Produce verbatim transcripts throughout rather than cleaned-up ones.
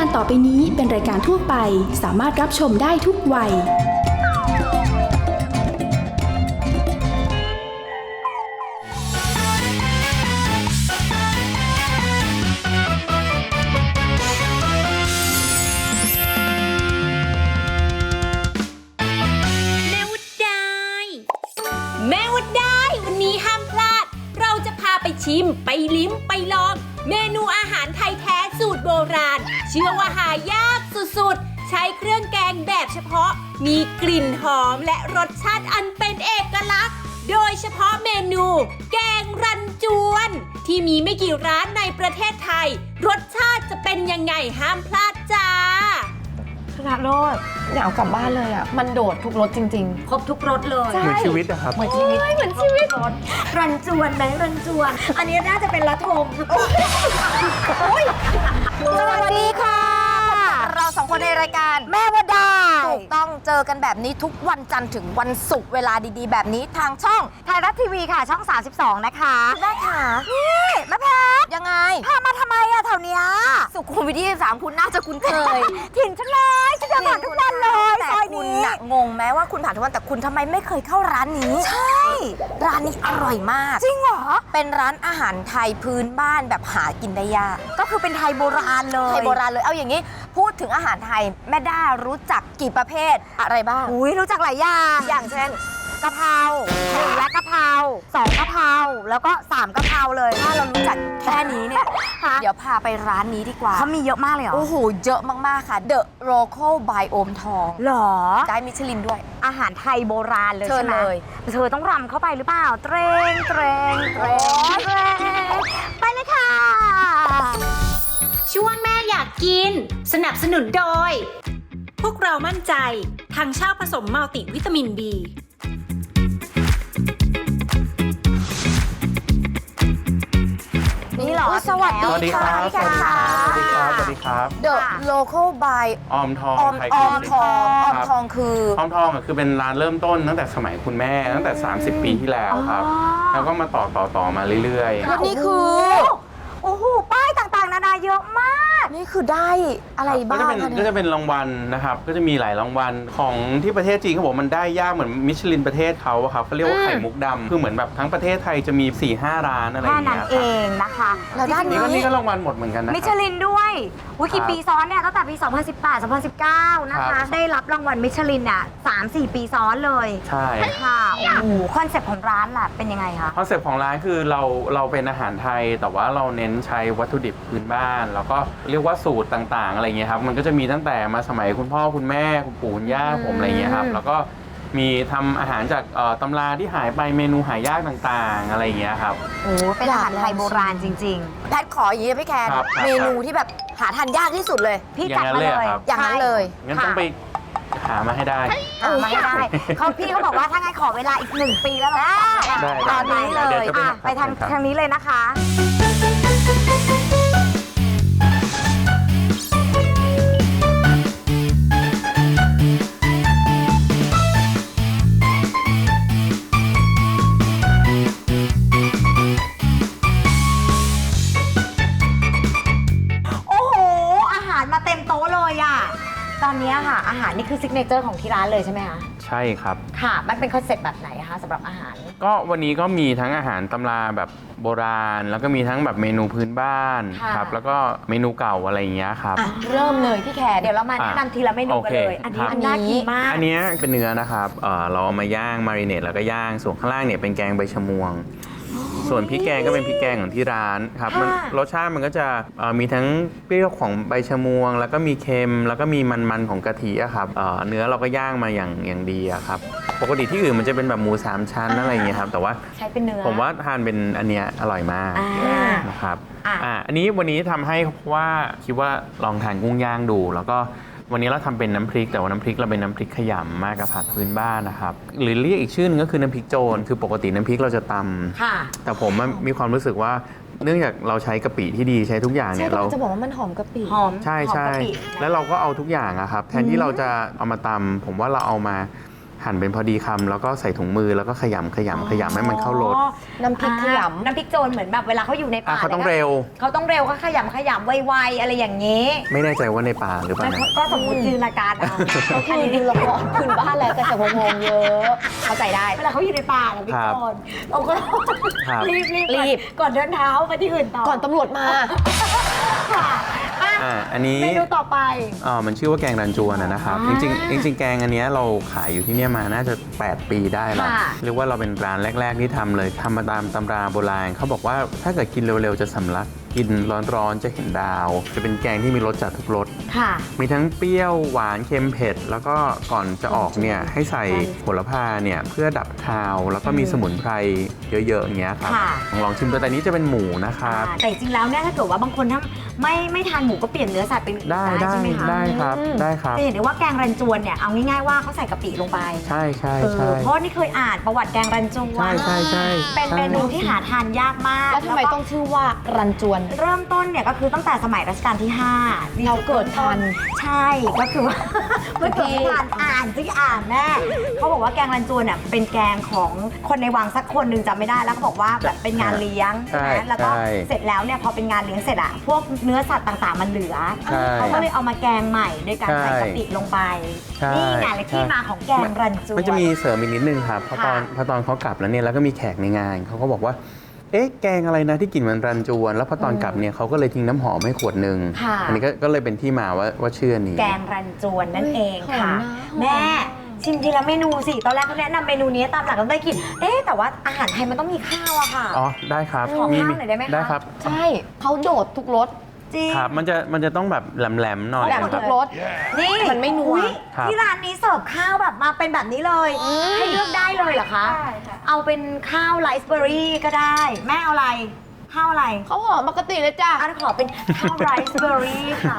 การต่อไปนี้เป็นรายการทั่วไปสามารถรับชมได้ทุกวัยไปชิมไปลิ้มไปลองเมนูอาหารไทยแท้สูตรโบราณเชื่อว่าหายากสุดๆใช้เครื่องแกงแบบเฉพาะมีกลิ่นหอมและรสชาติอันเป็นเอกลักษณ์โดยเฉพาะเมนูแกงรันจวนที่มีไม่กี่ร้านในประเทศไทยรสชาติจะเป็นยังไงห้ามพลาดจ้าชนะโรดอยากเอากลับบ้านเลยอ่ะมันโดดทุกรสจริงๆครบทุกรสเลยเหมือนชีวิตอะครับเหมือนชีวิตเหมือนชีวิตรันจวนไหมรันจวนอันนี้น่าจะเป็นละทมสวัสดีค่ะเราสองคนในรายการแม่ว่าได้ถูกต้องเจอกันแบบนี้ทุกวันจันทร์ถึงวันศุกร์เวลาดีๆแบบนี้ทางช่องไทยรัฐทีวีค่ะช่องสามสิบสองนะคะได้ค่ะนี่แม่แพทยังไงพามาทำไมอะแถวเนี้ยสุขุมวิทยี่สิบสามคุณน่าจะคุ้นเคยถิ่นฉันเลยฉันจะผ่านทุกวันเลยซอยนี้แต่คุณงงไหมว่าคุณผ่านทุกวันแต่คุณทำไมไม่เคยเข้าร้านนี้ใช่ร้านนี้อร่อยมากจริงเหรอเป็นร้านอาหารไทยพื้นบ้านแบบหากินได้ยากก็คือเป็นไทยโบราณเลยไทยโบราณเลยเอาอย่างนี้พูดถึงอาหารไทยแม่ด้ารู้จักกี่ประเภทอะไรบ้างอุ้ยรู้จักหลายอย่างอย่างเช่นกะเพราหนึ่งและกะเพราสองกะเพราแล้วก็สามกะเพราเลยถ้าเรารู้จักแค่นี้เนี่ยเดี๋ยวพาไปร้านนี้ดีกว่าเขามีเยอะมากเลยเหรอโอ้โหเยอะมากๆค่ะ The Local by โอมทองหรอได้มิชลินด้วยอาหารไทยโบราณเลยใช่ไหมเธอต้องรำเข้าไปหรือเปล่าเตรงเตรงเตรงเตรงไปเลยค่ะช่วงแม่อยากกินสนับสนุนโดยพวกเรามั่นใจทางเช่าผสมมัลติวิตามิน B นี่เหรอสวัสดีค่ะสวัสดีครับสวัสดีครับสวัสดีครับ The Local by ออมทองออมทองออมทองคือออมทองคือเป็นร้านเริ่มต้นตั้งแต่สมัยคุณแม่ตั้งแต่สามสิบปีที่แล้วครับแล้วก็มาต่อต่อต่อมาเรื่อยๆแล้วนี่คือโอ้โหป้ายต่างๆนานาเยอะมากนี่คือได้อะไรบ้างก็จะเป็นก็จะเป็นรางวัลนะครับก็จะมีหลายรางวัลของที่ประเทศจีนเขาบอกมันได้ยากเหมือนมิชลินประเทศเขาครับเขาเรียกว่าไข่มุกดำคือเหมือนแบบทั้งประเทศไทยจะมี สี่ห้า ร้านอะไรอย่างเงี้ยแค่นั้นเองนะคะแล้วด้านนี้ก็นี่ก็รางวัลหมดเหมือนกันนะมิชลินด้วยวิกี่ปีซ้อนเนี่ยตั้งแต่ปีสองพันสิบแปด สองพันสิบเก้านะคะได้รับรางวัลมิชลินอ่ะ สามสี่ ปีซ้อนเลยใช่ค่ะโอ้โหคอนเซ็ปต์ของร้านล่ะเป็นยังไงคะคอนเซ็ปต์ของร้านคือเราเราเป็นอาหารไทยแต่ว่าเราเน้นใช้วัตถุดิบพื้นบ้านแล้วก็เรียกว่าสูตรต่างๆอะไรเงี้ยครับมันก็จะมีตั้งแต่มาสมัยคุณพ่อคุณแม่คุณปู่คุณย่าผมอะไรเงี้ยครับแล้วก็มีทำอาหารจากตำราที่หายไปเมนูหายากต่างๆอะไรเงี้ยครับโอ้เป็นอาหารไทยโบราณจริงๆแพทขออย่างนี้พี่แคนเมนูที่แบบหาทานยากที่สุดเลยพี่จัดมาเลยอย่างนั้นเลยงั้นต้องไปหามาให้ได้หามาให้ได้เขาพี่เขาบอกว่าถ้างั้นขอเวลาอีกหนึ่งปีแล้วเราตอนนี้เลยไปทางทางนี้เลยนะคะมาเต็มโต๊ะเลยอ่ะตอนนี้ค่ะอาหารนี่คือซิกเนเจอร์ของที่ร้านเลยใช่ไหมคะใช่ครับค่ะมันเป็นคอนเซ็ปต์แบบไหนคะสำหรับอาหารก็วันนี้ก็มีทั้งอาหารตำราแบบโบราณแล้วก็มีทั้งแบบเมนูพื้นบ้านครับแล้วก็เมนูเก่าอะไรอย่างเงี้ยครับเริ่มเลยพี่แขกเดี๋ยวเรามาแนะนำทีละเมนูกันเลยอันนี้อันน่ากินมากอันนี้เป็นเนื้อนะครับเราเอามาย่างมาริเนตแล้วก็ย่างส่วนข้างล่างเนี่ยเป็นแกงใบชะมวงส่วนพริกแกงก็เป็นพริกแกงของที่ร้านครับมันรสชาติมันก็จะมีทั้งเปรี้ยวของใบชะมวงแล้วก็มีเค็มแล้วก็มีมันๆของกะทิอะครับเนื้อเราก็ย่างมาอย่างอย่างดีอะครับปกติที่อื่นมันจะเป็นแบบหมูสามชั้นอะไรอย่างเงี้ยครับแต่ว่าใช้เป็นเนื้อผมว่าทานเป็นอันเนี้ยอร่อยมากนะครับอ่าอันนี้วันนี้ทำให้ว่าคิดว่าลองทานกุ้งย่างดูแล้วก็วันนี้เราทำเป็นน้ำพริกแต่ว่าน้ำพริกเราเป็นน้ำพริกขยำมากกับผัดพื้นบ้านนะครับหรือเรียกอีกชื่อนึงก็คือน้ำพริกโจรคือปกติน้ำพริกเราจะตำแต่ผมมีความรู้สึกว่าเนื่องจากเราใช้กะปิที่ดีใช้ทุกอย่างเนี่ยเราจะบอกว่ามันหอมกะปิหอมใช่ใช่แล้วเราก็เอาทุกอย่างอะครับแทนที่เราจะเอามาตำผมว่าเราเอามาหั่นเป็นพอดีคำแล้วก็ใส่ถุงมือแล้วก็ขยำขยำขยำให้มันเข้ารสน้ำพริกขยน้ำพริกโจรเหมือนแบบเวลาเขาอยู่ในอ่ะป่าเขาต้องเร็วเขาต้องเร็วเขาขยำขยำไวๆอะไรอย่างนี้ไม่แน่ใจว่าในป่าหรือเปล่าไม่นะก็สมมติจินตนาการเอาำก็คือดูละครคืนบ้านแล้วแต่สมงงเยอะเข้าใจได้เวลาเขาอยู่ในป่าน้ำพริกโจรเราก็ครับรีบรีบรีบก่อนเดินเท้าไปที่อื่นต่อก่อนตำรวจมาค่ะอ่ะอ่ะอันนี้เมนูต่อไปอ๋อมันชื่อว่าแกงรันจวนนะครับ จอ่าริงๆจริงๆแกงอันเนี้ยเราขายอยู่ที่เนี่ยมาน่าจะแปดปีได้แล้วค่ะเรียกว่าเราเป็นร้านแรก ๆ ที่ทำเลยทำมาตามตำราโบราณเขาบอกว่าถ้าเกิดกินเร็วๆจะสำลักกินร้อนๆจะเห็นดาว จะเป็นแกงที่มีรสจัดทุกรสค่ะมีทั้งเปรี้ยวหวานเค็มเผ็ด แล้วก็ก่อนจะออกเนี่ยให้ใส่โหระพาเนี่ยเพื่อดับคาว แล้วก็มีสมุนไพรเยอะๆอย่างเงี้ยครับค่ะลองลองชิมตัวแต่นี้จะเป็นหมูนะครับแต่จริงๆแล้วเนี่ยถ้าเกิดว่าบางคนถ้าไม่ไม่ทานหมูก็เปลี่ยนเนื้อสัตว์เป็นอื่นได้ได้ได้ใช่ไหมคะได้ครับได้ครับจะเห็นได้ว่าแกงรันจวนเนี่ยเอาง่ายๆว่าเขาใส่กะปิลงไปใช่ใช่เอใช่อเพราะนี่เคยอ่านประวัติแกงรันจวนใช่ใช่ใช่เป็นเมนูที่หาทานยากมากแล้วทำไมก็ต้องชื่อว่ารันจวนเริ่มต้นเนี่ยก็คือตั้งแต่สมัยรัชกาลที่ห้าเราเกิดทันใช่ก็คือว่า เมื่อเกิดไม่ทันอ่านสิอ่านแน่เขาบอกว่าแกงรันจวนเนี่ยเป็นแกงของคนในวังสักคนหนึ่งจำไม่ได้แล้วเขาบอกว่าแบบเป็นงานเลี้ยงใช่ไหมใช่แล้วก็ใช่เสร็จแล้วเนี่ยพอเป็นงานเลี้ยงเสร็จอะพวกเนื้อสัตว์ต่างๆ มันเหลือใช่เขาก็เลยเอามาแกงใหม่โดยการใส่ใช่กะปิลงไปใช่นี่ไงเลยที่ใช่มาของแกงรันจวนมันจะมีเสริมอีกนิดนึงครับเพราะตอนค่ะพอตอนเขากลับแล้วเนี่ยแล้วก็มีแขกในงานเขาก็บอกว่า เอ๊ะแกงอะไรนะที่กลิ่นมันรันจวน แล้วพอตอนกลับเนี่ยเขาก็เลยทิ้งน้ำหอมให้ขวดหนึ่งค่ะอันนี้ก็ก็เลยเป็นที่มาว่าว่าชื่อนี้แกงรันจวนนั่นเองค่ะหอมนะแม่ชิมทีละเมนูสิตอนแรกเขาแนะนำเมนูนี้ตามหลักเราได้กินเอ๊ะแต่ว่าอาหารไทยมันต้องมีข้าวอะค่ะอ๋อได้ครับขอมีข้าวหน่อยได้ไหมคะได้ครับใช่เขาโดดทุกรสจริงครับมันจะมันจะต้องแบบแหลมๆหน่อยแหลมคทุรับกรสนี่มันไม่นัวอุ๊ยครับที่ร้านนี้เสิร์ฟข้าวแบบมาเป็นแบบนี้เลย ให้เลือกได้เลยเหรอคะ เอาเป็นข้าวไรซ์เบอร์รี่ก็ได้ แม่เอาอะไร ข้าวอะไรเขาหอมปกติเลยจ้ะอันขอเป็นข้าวไรซ์เบอร์รี่ค่ะ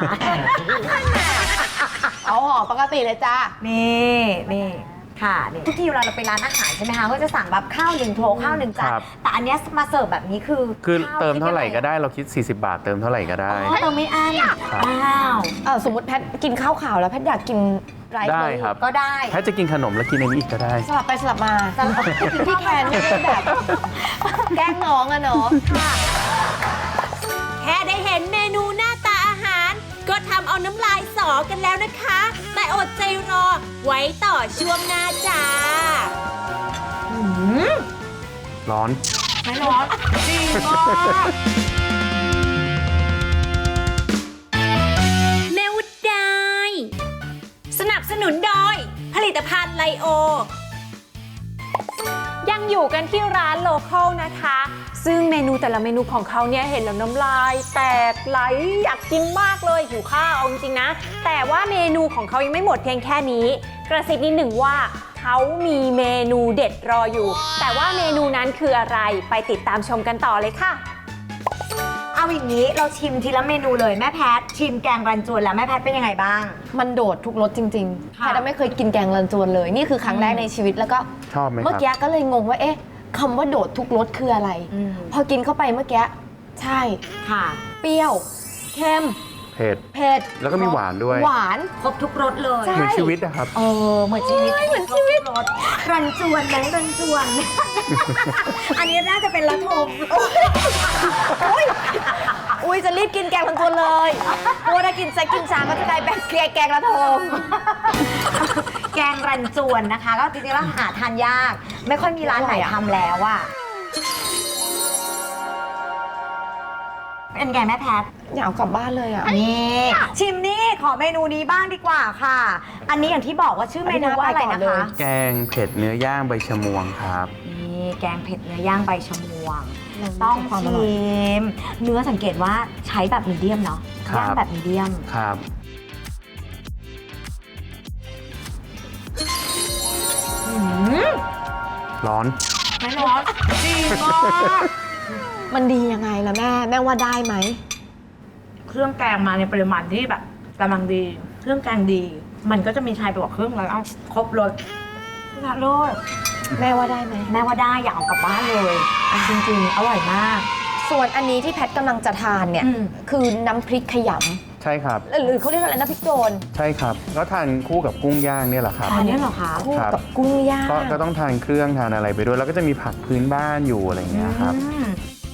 เอาหอมปกติเลยจ้ะนี่นี่ค่ะนี่ทุกทีเวลาเราไปร้านอาหารใช่ไหมคะก็จะสั่งแบบข้าวหนึ่งโถข้าวหนึ่งจานครับแต่อันเนี้ยมาเสิร์ฟแบบนี้คือคือข้วเติมเท่าไหร่ก็คิได้เราคิด สี่สิบบาท เติมเท่าไหร่ก็ได้อ๋อเติมไม่อั้นครับว้าวเออสมมติแพทกินข้าวขาวแล้วแพทอยากกินไรซ์ได้เบอร์รี่ครับก็ได้ถ้าจะกินขนมแล้วกินอันนี้อีกก็ได้สลับไปสลับมาพี่แคนไม่ได้แบบ แกล้งน้องอะเนาะแค่ได้เห็นเมนูหน้าตาอาหาร ก็ทำเอาน้ำลายสอกันแล้วนะคะ แต่อดใจรอไว้ต่อช่วงหน้าจ้าร้อนไม่ร้อนดีมากแม่วุฒได้สนับสนุนโดย ผลิตภัณฑ์ไลโอยังอยู่กันที่ร้านโลคอลนะคะ ซึ่งเมนูแต่ละเมนูของเขาเนี่ยเห็นแล้วน้ำลายแตกไหลอยากกินมากเลยหิวข้าวเอาจริงๆนะ แต่ว่าเมนูของเขายังไม่หมดเพียงแค่นี้ กระซิบนิดหนึ่งว่าเขามีเมนูเด็ดรออยู่ แต่ว่าเมนูนั้นคืออะไรไปติดตามชมกันต่อเลยค่ะเอาอย่างนี้เราชิมทีละเมนูเลยแม่แพทชิมแกงรันจวนแล้วแม่แพทเป็นยังไงบ้างมันโดดทุกรสจริงๆค่ะแพทย์ไม่เคยกินแกงรันจวนเลย นี่คือครั้งแรกในชีวิตแล้วก็ชอบไหมคเมื่อรับกี้ก็เลยงงว่าเอ๊ะคำว่าโดดทุกรสคืออะไรอืมพอกินเข้าไปเมื่อกี้ใช่ค่ะเปรี้ยวเค็มเผ็ดเผ็ดแล้วก็มีหวานด้วยหวานครบทุกรสเลยใช่เหมือนชีวิตนะครับเออเหมือนชีวิตเหมือนชีวิตรสรันจวนไหมรันจวน อันนี้น่าจะเป็นละทมอุ้ยจะรีบกินแกงรันจวนเลยเพราะว่าถ้ากินแซกกินชาก็จะกลายเป็นแกงระทมแกงรันจวนนะคะ ก็จริงๆแล้วหาทานยาก ไม่ค่อยมีร้านไหนทำแล้วอะเป็นไงแม่แพทอยากเอากลับบ้านเลยอ่ะนี่ชิมนี่ขอเมนูนี้บ้างดีกว่าค่ะ อันนี้อย่างที่บอกว่าชื่อเมนูว่าอะไรนะอันนี้น่าไปก่อนเลคะยแกงเผ็ดเนื้อย่างใบชะมวงครับนี่แกงเผ็ดเนื้อย่างใบชะมวงต้ต้ออง งความอชิร่อยมเนื้อสังเกตว่าใช้แบบมีเดียมเนาะครับย่างแบบมีเดียมครับอืมร้อนไม่ร้อนดีมากมันดียังไงล่ะแม่แม่ว่าได้ไหมเครื่องแกงมาในปริมาณที่แบบกำลังดี เครื่องแกงดี มันก็จะมีชายไปกว่าเครื่องแล้วครบรสนะโลดแม่ว่าได้ไหมแม่ว่าได้อยากเอากลับบ้านเลยอ่ะจริงๆ อร่อยมากส่วนอันนี้ที่แพทกำลังจะทานเนี่ยอืมคือน้ำพริกขยใช่ครับหรือเขาเรียกอะไรนะพริกโดนใช่ครับก็ทานคู่กับกุ้งย่างเนี่ยแหละครับอันนี้เหรอคะคู่ครับกับกุ้งย่างก็ก็ต้องทานเครื่องทานอะไรไปด้วย แล้วก็จะมีผักพื้นบ้านอยู่อะไรอย่างเงี้ยครับอืม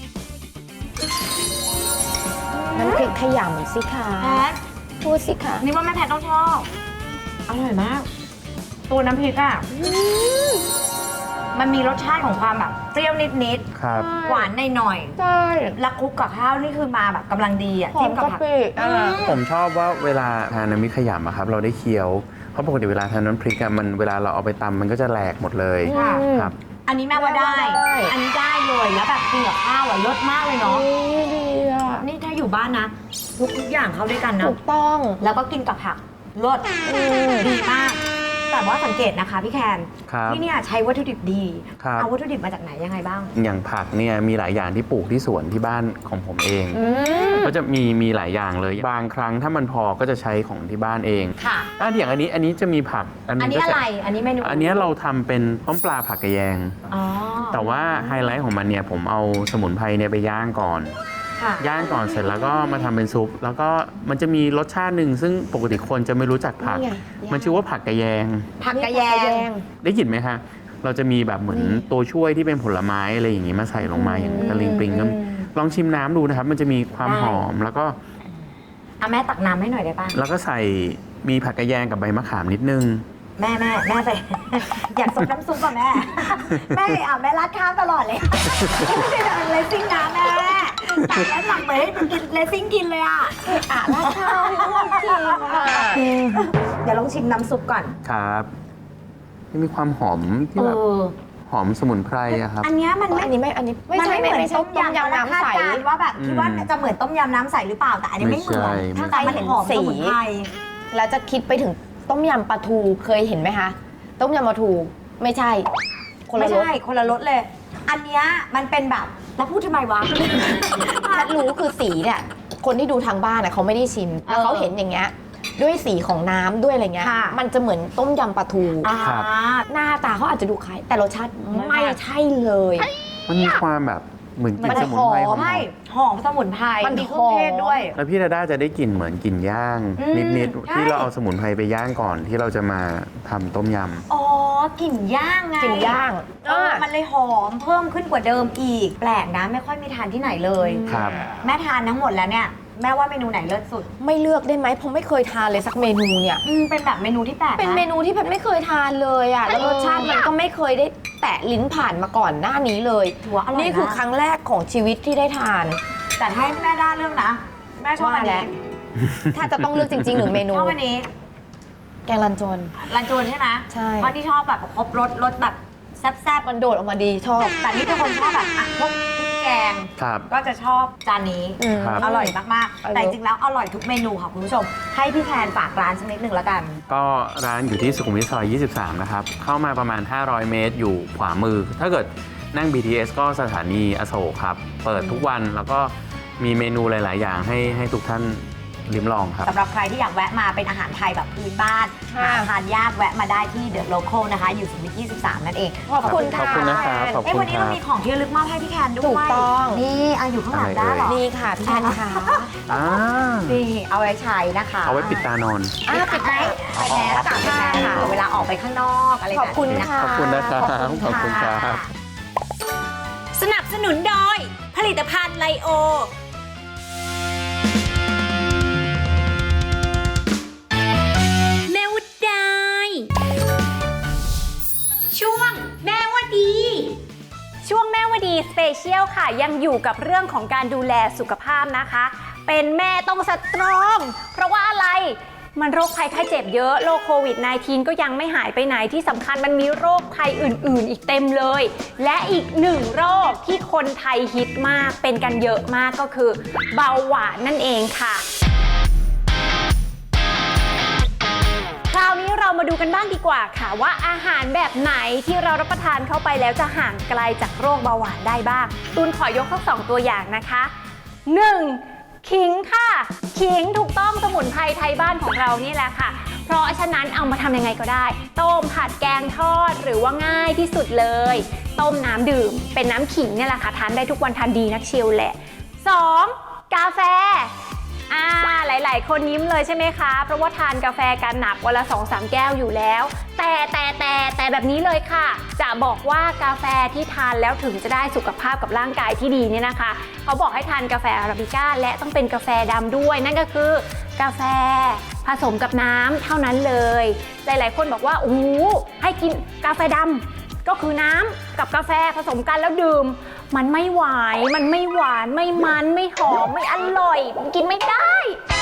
น้ำพริกขยำสิคะแพทพูดสิคะนี่ว่าแม่แพทต้องชอบ อร่อยมาก ตัวน้ำพริกอ่ะมันมีรสชาติของความแบบเปรี้ยวนิดครับๆ หวานหน่อยใช่ๆแล้วคลุกกับข้าวนี่คือมาแบบกำลังดีอ่ะหอจิ้มมกับกะผักปิอ่ะผมชอบว่าเวลาทานน้ำพริกขยำอะครับเราได้เคี้ยว เพราะปกติเวลาทานน้ำพริกอะมันเวลาเราเอาไปตำมันก็จะแหลกหมดเลยค่ะครับอันนี้แม่ว่าได้แม่ว่าได้อันนี้ได้เลยแล้วแบบกินกับข้าวอ่ะรสมากเลยเนาะดีอ่ะนี่ถ้าอยู่บ้านนะทุกทุกอย่างเข้าด้วยกันนะถูกต้องแล้วก็กินกับผักรสดีมาก แต่ว่าสังเกตนะคะพี่แคนครับที่เนี่ยใช้วัตถุดิบดีครับเอาวัตถุดิบมาจากไหนยังไงบ้างอย่างผักเนี่ยมีหลายอย่างที่ปลูกที่สวนที่บ้านของผมเอง ก็จะมีมีหลายอย่างเลย บางครั้งถ้ามันพอก็จะใช้ของที่บ้านเองค่ะอ่ะอย่างอันนี้อันนี้จะมีผักอันก็นี้จอะไรอันนี้เมนูอันนี้เราทำเป็นต้มปลาผักกระแยงอ๋อแต่ว่าไฮไลท์ของมันเนี่ยผมเอาสมุนไพรเนี่ยไปย่างก่อนค่ะย่างก่อนเสร็จแล้วก็มาทำเป็นซุป แล้วก็มันจะมีรสชาติหนึ่งซึ่งปกติคนจะไม่รู้จักผักนี่ไงมันชื่อว่าผักกระแยงผักกระแยงได้กลิ่นไหมคะเราจะมีแบบเหมือนตัวช่วยที่เป็นผลไม้อะไรอย่างงี้มาใส่ลงมาอย่างตะลิงปริงก็ลองชิมน้ำดูนะครับ มันจะมีความได้หอมแล้วก็อ่ะแม่ตักน้ำให้หน่อยได้ป่ะแล้วก็ใส่มีผักกระแยงกับใบมะขามนิดนึงแม่แม่แม่ใส่ อยากซดน้ำซุปก่ะแม่ แม่อ่ะแม่รัดข้าวตลอดเลยไม่ได้ทำเลสซิ่งนะแม่ตักแล้วหลังเหมือนให้กินเลสซิ่งกินเลยอ่ะอ่ะรัดข้าวให้ลูกกินอ่ะเดี๋ยวลองชิมน้ำซุปก่อนครับที่มีความหอมที่เอแบบอหอมสมุนไพรอะครับอันเนี้ยมันไม่อันนี้ไม่ อันนี้ไม่มันใช่ไม่เหมือนไม่ใช่ต้มยำต้มยำน้ำใสคาดการณ์ว่าแบบคิดว่าอืมจะเหมือนต้มยำน้ำใสหรือเปล่าแต่อันนี้ไม่เหมือนไม่ใช่ถ้าใครเห็นหอมสมุนไพรแล้วจะคิดไปถึงต้มยำปลาทูเคยเห็นไหมคะ ต้มยำปลาทูไม่ใช่ คนไม่ละรสใช่คนละรสเลย อันเนี้ยมันเป็นแบบแล้วพูดทำไมวะถ้ารู้คือสีเนี่ยคนที่ดูทางบ้านน่ะเขาไม่ได้ชิมแล้วเขาเห็นอย่างเงี้ยด้วยสีของน้ำด้วยอะไรเงี้ยค่ะมันจะเหมือนต้มยำปลาทูอ่าครับหน้าตาเขาอาจจะดูคล้ายแต่รสชาติไม่ใช่เลยมันมีความแบบเหมือนกลิ่นมันสมุนไพรหหออมมไม่หอมสมุนไพรมันมีเครื่องเทศด้วยแล้วพี่ดาด้าจะได้กลิ่นเหมือนกลิ่นย่างอืมนิดใช่ๆที่เราเอาสมุนไพรไปย่างก่อนที่เราจะมาทำต้มยำอ๋อกลิ่นย่างไงกลิ่นย่างเออมันเลยหอมเพิ่มขึ้นกว่าเดิมอีก แปลกนะไม่ค่อยมีทานที่ไหนเลยครับแม่ทานทั้งหมดแล้วเนี่ยแม่ว่าเมนูไหนเลิศสุดไม่เลือกได้ไหมผมไม่เคยทานเลยสักเมนูเนี่ยอืมเป็นแบบเมนูที่แปลกนะเป็นเมนูที่แพทย์ไม่เคยทานเลยอ่ะแล้วรสชาติมันก็ไม่เคยได้แตะลิ้นผ่านมาก่อนหน้านี้เลยถือว่าอร่อยนี่คือนะครั้งแรกของชีวิตที่ได้ทานแต่ถ้าให้แม่ด้าเรื่องนะ แม่ชอบอันว่าแล้นี้ว ถ้าจะต้องเลือกจริงๆหนึ่งเมนูชอบอันนี้แกงรันจวนรันจวนใช่ไหมใช่เพราะที่ชอบแบบครบรสรสแบบแซ่บมันโดดออกมาดีชอบๆแต่นี่เป็นคนชอบแบบอ่ะพวกพริกแกงครับก็จะชอบจานนี้อืมครับอร่อยมากอร่อยๆ แต่จริงๆแล้วอร่อยทุกเมนูค่ะคุณผู้ชม ให้พี่แทนฝากร้านสักนิดหนึ่งแล้วกันก็ร้านอยู่ที่สุขุมวิทซอย ยี่สิบสาม นะครับ เข้ามาประมาณ ห้าร้อย เมตรอยู่ขวามือ ถ้าเกิดนั่ง บี ที เอส ก็สถานีอโศกครับ เปิดทุกวันแล้วก็มีเมนูหลาย ๆ อย่างให้ให้ทุกท่านลิ้มลองครับสำหรับใครที่อยากแวะมาเป็นอาหารไทยแบบพื้นบ้านค่ะหาทานยากแวะมาได้ที่เดอะโลคอลนะคะ อยู่สุขุมวิทยี่สิบสาม นั่นเองขอบคุณขอบคุณนะครับขอบเอ้ยคุวัณนนี้คเรารับมีของที่ระลึกมอบให้พี่แคนด้วยถูกต้องนี่เอาอยู่ข้างหลังได้เหรอนี่ค่ะพี่แทนค่ะอ่านี่เอาไว้ใช้นะคะเอาไว้ปิดตานอนอ่ะปิดไว้ไปแมสกับแมสค่ะเวลาออกไปข้างนอกอะไรแบบขอบคุณนี้นะค่ะขอบคุณนะครับขอบคุณครับสนับสนุนโดย ผลิตภัณฑ์ไลโอ แม่วัดได้ ช่วงแม่ว่าดีช่วงแม่วดีสเปเชียลค่ะ ยังอยู่กับเรื่องของการดูแลสุขภาพนะคะ เป็นแม่ต้องสตรอง เพราะว่าอะไร มันโรคภัยไข้เจ็บเยอะโรคโควิด สิบเก้า ก็ยังไม่หายไปไหนที่สำคัญมันมีโรคภัยอื่นๆ อีกเต็มเลย และอีกหนึ่งโรคที่คนไทยฮิตมากเป็นกันเยอะมากก็คือเบาหวานนั่นเองค่ะ คราวนี้เรามาดูกันบ้างดีกว่าค่ะว่าอาหารแบบไหนที่เรารับประทานเข้าไปแล้วจะห่างไกลจากโรคเบาหวานได้บ้างตูนขอยกทั้งสองตัวอย่างนะคะ หนึ่ง ขิงค่ะ ขิงถูกต้องสมุนไพรไทยบ้านของเรานี่แหละค่ะ เพราะฉะนั้นเอามาทำยังไงก็ได้ ต้มผัดแกงทอดหรือว่าง่ายที่สุดเลย ต้มน้ำดื่มเป็นน้ำขิงเนี่ยแหละค่ะทานได้ทุกวันทานดีนักเชียวแหละ สอง กาแฟ อ่าหลลายๆ คนยิ้มเลยใช่ไหมคะเพราะว่าทานกาแฟกันหนักวันละ สองสาม แก้วอยู่แล้วแต่แต่แต่แต่แบบนี้เลยค่ะจะบอกว่ากาแฟที่ทานแล้วถึงจะได้สุขภาพกับร่างกายที่ดีเนี่ยนะคะเขาบอกให้ทานกาแฟอาราบิก้าและต้องเป็นกาแฟดำด้วยนั่นก็คือกาแฟผสมกับน้ำเท่านั้นเลยหลายๆคนบอกว่าโอ้โหให้กินกาแฟดำก็คือน้ำกับกาแฟผสมกันแล้วดื่มมันไม่หวานมันไม่หวานไม่มันไม่หอมไม่อร่อยมันกินไม่ได้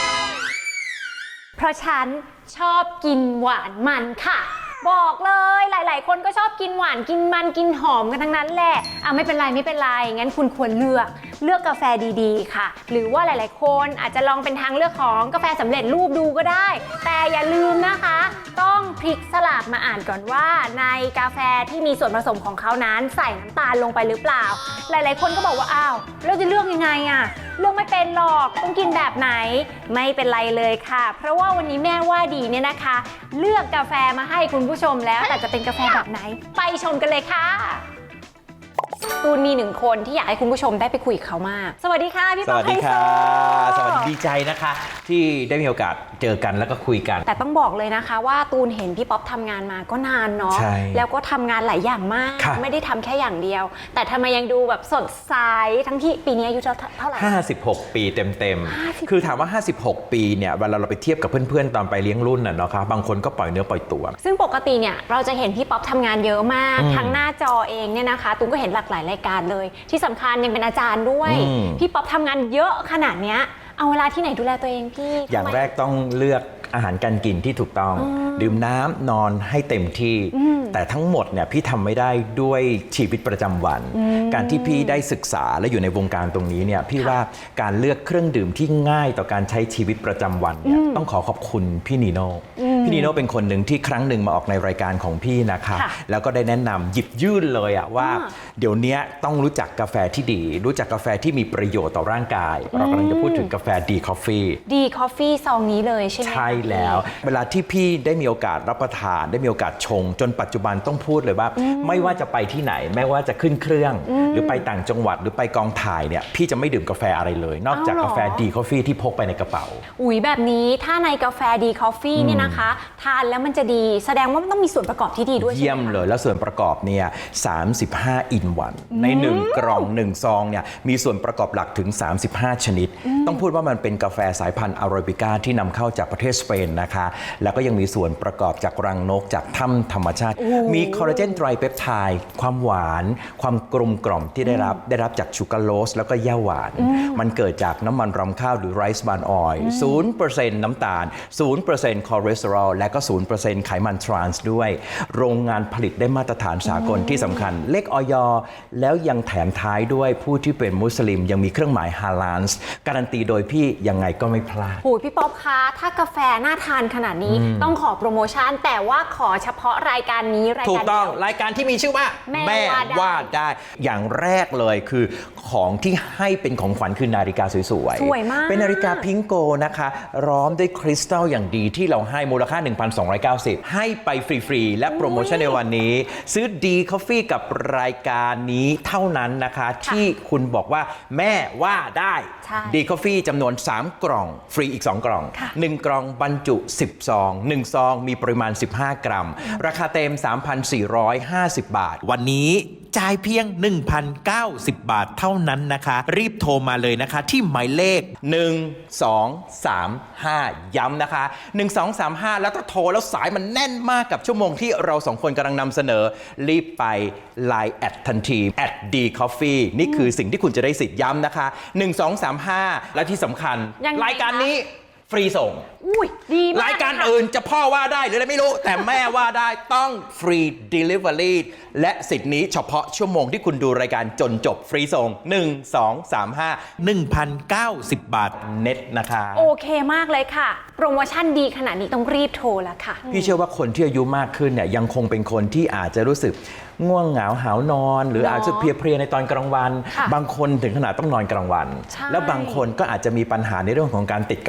เพราะฉันชอบกินหวานมันค่ะบอกเลยหลายๆคนก็ชอบกินหวานกินมันกินหอมกันทั้งนั้นแหละอ่ะไม่เป็นไรไม่เป็นไรงั้นคุณควรเลือกเลือกกาแฟดีๆค่ะหรือว่าหลายๆคนอาจจะลองเป็นทางเลือกของกาแฟสำเร็จรูปดูก็ได้แต่อย่าลืมนะคะต้องพลิกสลักมาอ่านก่อนว่าในกาแฟที่มีส่วนผสมของเขานั้นใส่น้ำตาลลงไปหรือเปล่าหลายๆคนก็บอกว่าอ้าวเราจะเลือกยังไงอ่ะเลือกไม่เป็นหรอกต้องกินแบบไหนไม่เป็นไรเลยค่ะเพราะว่าวันนี้แม่ว่าดีเนี่ยนะคะเลือกกาแฟมาให้คุณผู้ชมแล้วแต่จะเป็นกาแฟแบบไหนไปชมกันเลยค่ะตูนมีหนึ่งคนที่อยากให้คุณผู้ชมได้ไปคุยกับเขามากสวัสดีค่ะพี่สป๊อวัปสดีค่ะไฮโซสวัสดีดีใจนะคะ ที่ได้มีโอกาสเจอกันแล้วก็คุยกันแต่ต้องบอกเลยนะคะว่าตูนเห็นพี่ป๊อปทำงานมาก็นานเนาะใช่แล้วก็ทำงานหลายอย่างมากค่ะไม่ได้ทำแค่อย่างเดียว แต่ทำไมยังดูแบบสดใสทั้งที่ปีนี้อายุเท่าไหร่ห้าสิบหก ปีเต็มห้าสิบๆ คือถามว่า ห้าสิบหก ปีเนี่ยเวลาเราไปเทียบกับเพื่อนๆ ตอนไปเลี้ยงรุ่นน่ะเนาะครับบางคนก็ปล่อยเนื้อปล่อยตัวซึ่งปกติเนี่ยเราจะเห็นพี่ป๊อปทำงานเยอะมากอืมทั้งหน้าจอเองเนี่ยนะคะตูนก็เห็นหลากหลายรายการเลยที่สำคัญยังเป็นอาจารย์ด้วยอืมพี่ป๊อปทำงานเยอะขนาดเนี้ยเอาเวลาที่ไหนดูแลตัวเองพี่อย่างทำไมแรกต้องเลือกอาหารการกินที่ถูกต้อง ดื่มน้ำนอนให้เต็มที่ แต่ทั้งหมดเนี่ยพี่ทำไม่ได้ด้วยชีวิตประจำวัน การที่พี่ได้ศึกษาและอยู่ในวงการตรงนี้เนี่ยพี่ว่าการเลือกเครื่องดื่มที่ง่ายต่อการใช้ชีวิตประจำวันเนี่ยต้องขอขอบคุณพี่นีโน่พี่นีโน่เป็นคนหนึ่งที่ครั้งหนึ่งมาออกในรายการของพี่นะคะค่ะแล้วก็ได้แนะนำหยิบยื่นเลยอะว่าอ่าเดี๋ยวนี้ต้องรู้จักกาแฟที่ดี รู้จักกาแฟที่มีประโยชน์ต่อร่างกาย เรากำลังจะพูดถึงกาแฟดีคอฟฟี่ดีคอฟฟี่ซองนี้เลยใช่ไหมคะใช่แล้วเวลาที่พี่ได้มีโอกาสรับประทานได้มีโอกาสชง จนปัจจุบันต้องพูดเลยว่า ไม่ว่าจะไปที่ไหนไม่ว่าจะขึ้นเครื่อง หรือไปต่างจังหวัดหรือไปกองถ่ายเนี่ยพี่จะไม่ดื่มกาแฟอะไรเลย นอกจากอ้าวเหรอกาแฟดีคอฟฟี่ที่พกไปในกระเป๋าอุ๋ยแบบนี้ถ้าในกาแฟดีคอฟฟี่เนี่ยนะคะ ทานแล้วมันจะดีแสดงว่ามันต้องมีส่วนประกอบที่ดีด้วยใช่ไหมเยี่ยมเลยแล้วส่วนประกอบเนี่ยสามสิบห้าอินวันในหนึ่งกล่องหนึ่งซองเนี่ยมีส่วนประกอบหลักถึงสามสิบห้าชนิด ต้องพูดว่ามันเป็นกาแฟสายพันธุ์อาราบิก้าที่นำเข้าจากประเทศสเปนนะคะแล้วก็ยังมีส่วนประกอบจากรังนกจากถ้ำธรรมชาติ มีคอลลาเจนไตรเปปไทด์ความหวาน ความกลมกล่อมที่ได้รับได้รับจากชูการ์โลสแล้วก็ย่าหวาน มันเกิดจากน้ำมันรำข้าวหรือไรซ์บานออยล์ ศูนย์เปอร์เซ็นต์ น้ำตาล ศูนย์เปอร์เซ็นต์ คอเลสเตอรอลและก็ ศูนย์เปอร์เซ็นต์ ไขมันทรานส์ด้วย โรงงานผลิตได้มาตรฐานสากลที่สำคัญ เลขออย แล้วยังแถมท้ายด้วยผู้ที่เป็นมุสลิมยังมีเครื่องหมายฮาลาลส์การันตีโดยพี่ยังไงก็ไม่พลาดโอ้ยพี่ป๊อปคะถ้ากาแฟน่าทานขนาดนี้ต้องขอโปรโมชั่น แต่ว่าขอเฉพาะรายการนี้รายถูการกเดีต้องยวรายการที่มีชื่อว่าแม่ว่าได้ว่าได้ อย่างแรกเลยคือของที่ให้เป็นของขวัญคือนาฬิกาสวยๆสวยมากเป็นนาฬิกาพิงโกนะคะร้อมด้วยคริสตัลอย่างดีที่เราให้มูลค่า หนึ่งพันสองร้อยเก้าสิบ ให้ไปฟรีๆและโปรโมชั่นในวันนี้ ซื้อดีคอฟฟี่กับรายการนี้เท่านั้นนะคะ ที่คุณบอกว่าแม่ว่าได้ใช่ดีคอฟฟี่จำนวนสามกล่องฟรีอีกสองกล่องค่ะหนึ่งกล่องบรรจุสิบซองหนึ่งซองมีปริมาณสิบห้ากรัม ราคาเต็ม สามพันสี่ร้อยห้าสิบ บาท วันนี้จ่ายเพียง หนึ่งพันเก้าสิบ บาทเท่านั้นนะคะ รีบโทรมาเลยนะคะที่หมายเลข หนึ่ง สอง สาม ห้า ย้ำนะคะ หนึ่ง สอง สาม ห้า แล้วถ้าโทรแล้วสายมันแน่นมากกับชั่วโมงที่เราสองคนกำลังนำเสนอ รีบไป ไลน์ แอดทันทีแอดดีคอฟฟี่นี่คือสิ่งที่คุณจะได้สิทธิ์ย้ำนะคะ หนึ่ง สอง สาม ห้า และที่สำคัญยังไงรายการคะนี้ฟรีส่งอุ้ยดีมากรายการค่ะอื่นจะพ่อว่าได้หรืออะไรไม่รู้ แต่แม่ว่าได้ต้องฟรี Delivery และสิทธิ์นี้เฉพาะชั่วโมงที่คุณดูรายการจนจบฟรีส่ง หนึ่ง สอง สาม ห้า หนึ่งพันเก้าสิบ บาทเน็ตนะคะโอเคมากเลยค่ะ โปรโมชั่นดีขนาดนี้ต้องรีบโทรแล้วค่ะพี่เชื่อว่าคนที่อายุมากขึ้นเนี่ยยังคงเป็นคนที่อาจจะรู้สึกง่วงเหงาหาวนอน หรือเนอะอาจจะเพลียๆในตอนกลางวันค่ะบางคนถึงขนาดต้องนอนกลางวันใช่แล้วบางคนก็อาจจะมีปัญหาในเรื่องของการติดกาแฟ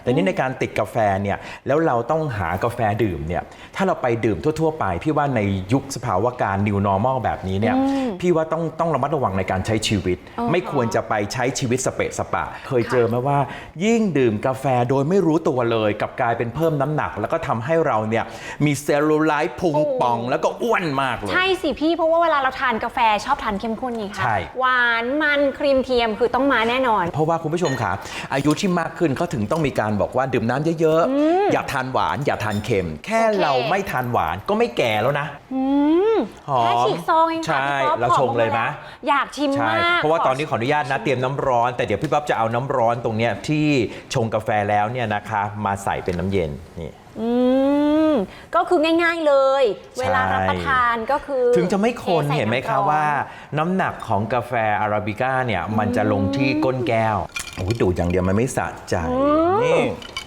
แต่นี่ในการติดกาแฟเนี่ยแล้วเราต้องหากาแฟดื่มเนี่ยถ้าเราไปดื่มทั่วๆไปพี่ว่าในยุคสภาวะการ new normal แบบนี้เนี่ยพี่ว่าต้องต้องระมัดระวังในการใช้ชีวิต ไม่ควรจะไปใช้ชีวิตสเปะสปะเคยเจอไหมว่ายิ่งดื่มกาแฟโดยไม่รู้ตัวเลยกลับกลายเป็นเพิ่มน้ำหนัก แล้วก็ทำให้เราเนี่ยมีเซลลูไลท์พุงป่องแล้วก็อ้วนมากเลยใช่สิพี่เพราะว่าเวลาเราทานกาแฟชอบทานเข้มข้นไงคะใช่หวานมันครีมเทียมคือต้องมาแน่นอนเพราะว่าคุณผู้ชมค่ะอายุที่มากขึ้นเขาถึงต้องมีการบอกว่าดื่มน้ำเยอะๆอย่าทานหวานอย่าทานเค็ม แค่เราไม่ทานหวานก็ไม่แก่แล้วนะหอมแค่ฉีกซองเองค่ะใช่พี่ป๊อปเราชงเลยไหมอยากชิมใช่มากเพราะว่าตอนนี้ขออนุญาตนะเตรียมน้ำร้อนแต่เดี๋ยวพี่ป๊อปจะเอาน้ำร้อนตรงเนี้ยที่ชงกาแฟแล้วเนี่ยนะคะมาใส่เป็นน้ำเย็นนี่อืมก็คือง่ายๆเลย เวลารับประทานก็คือถึงจะไม่คนทใส่เห็นไหมคะำร้อนว่าน้ำหนักของกาแฟอาราบิก้าเนี่ยมันจะลงที่ก้นแก้วโอ้ยดูดอย่างเดียวมันไม่สะใจนี่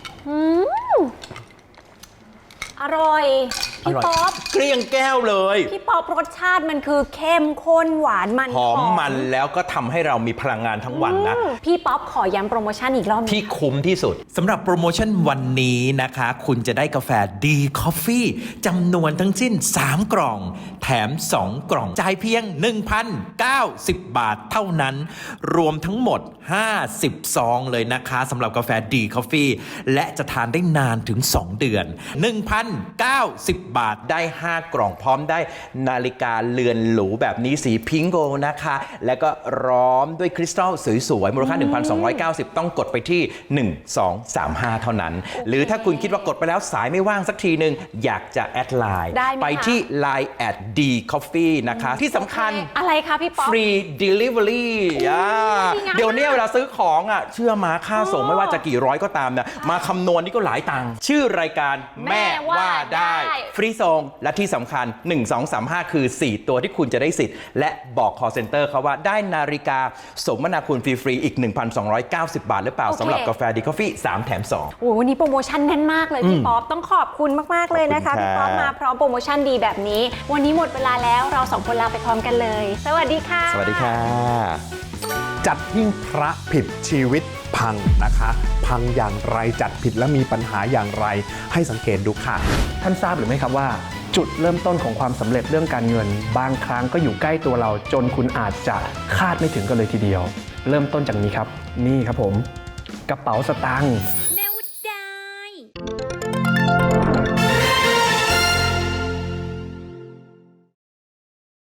อร่อยพี่ป๊อปเกลี้ยงแก้วเลยพี่ป๊อปรสชาติมันคือเข้มข้นหวานมันหอมมันแล้วก็ทำให้เรามีพลังงานทั้งวันนะอืมพี่ป๊อปขอย้ำโปรโมชั่นอีกรอบหนึ่งที่คุ้มที่สุดสำหรับโปรโมชั่นวันนี้นะคะ คุณจะได้กาแฟดีคอฟฟี่จำนวนทั้งสิ้นสามกล่อง แถมสองกล่องจ่ายเพียง หนึ่งพันเก้าสิบ บาทเท่านั้น รวมทั้งหมดห้าสิบซองเลยนะคะสำหรับกาแฟดีคอฟฟี่และจะทานได้นานถึงสองเดือน หนึ่งพันเก้าสิบ บาทได้ห้ากล่องพร้อมได้นาฬิกาเรือนหรูแบบนี้สีพิงโกนะคะ แล้วก็ร้อมด้วยคริสตัลสวยๆมูลค่า หนึ่งพันสองร้อยเก้าสิบ ต้องกดไปที่ หนึ่ง สอง สาม ห้า เท่านั้น หรือถ้าคุณคิดว่ากดไปแล้วสายไม่ว่างสักทีหนึ่งอยากจะแอดไลน์ได้ไหมคะไปที่ ไลน์ แอท ดี คอฟฟี่ นะคะ ที่สำคัญอะไรคะพี่ป๊อปฟรี delivery อ่าดีงามเดี๋ยวนี้เวลาซื้อของอ่ะเชื่อมาค่าส่งไม่ว่าจะกี่ร้อยก็ตามนะมาคำนวณนี่ก็หลายตังค์ชื่อรายการแม่ว่าได้ฟรีส่งและที่สำคัญ หนึ่ง สอง สาม ห้า คือ สี่ ตัวที่คุณจะได้สิทธิ์ และบอก call center เขาว่าได้นาฬิกาสมนาคุณฟรีๆอีก หนึ่งพันสองร้อยเก้าสิบ บาทหรือเปล่าโอเคสำหรับกาแฟดีคอฟฟี่สามแถมสองโอ้โหวันนี้โปรโมชั่นแน่นมากเลยพี่ป๊อปต้องขอบคุณมากๆเลยนะคะขอบคุณพี่ป๊อปค่ะมาพร้อมโปรโมชั่นดีแบบนี้ วันนี้หมดเวลาแล้วเราสองคนลาไปพร้อมกันเลย สวัสดีค่ะสวัสดีค่ะจัดหิ้งพระผิดชีวิตพังนะคะ พังอย่างไรจัดผิดและมีปัญหาอย่างไรให้สังเกตดูค่ะท่านทราบหรือไม่ครับว่า จุดเริ่มต้นของความสำเร็จเรื่องการเงิน บางครั้งก็อยู่ใกล้ตัวเราจนคุณอาจจะคาดไม่ถึงกันเลยทีเดียว เริ่มต้นจากนี้ครับ นี่ครับผม กระเป๋าสตางค์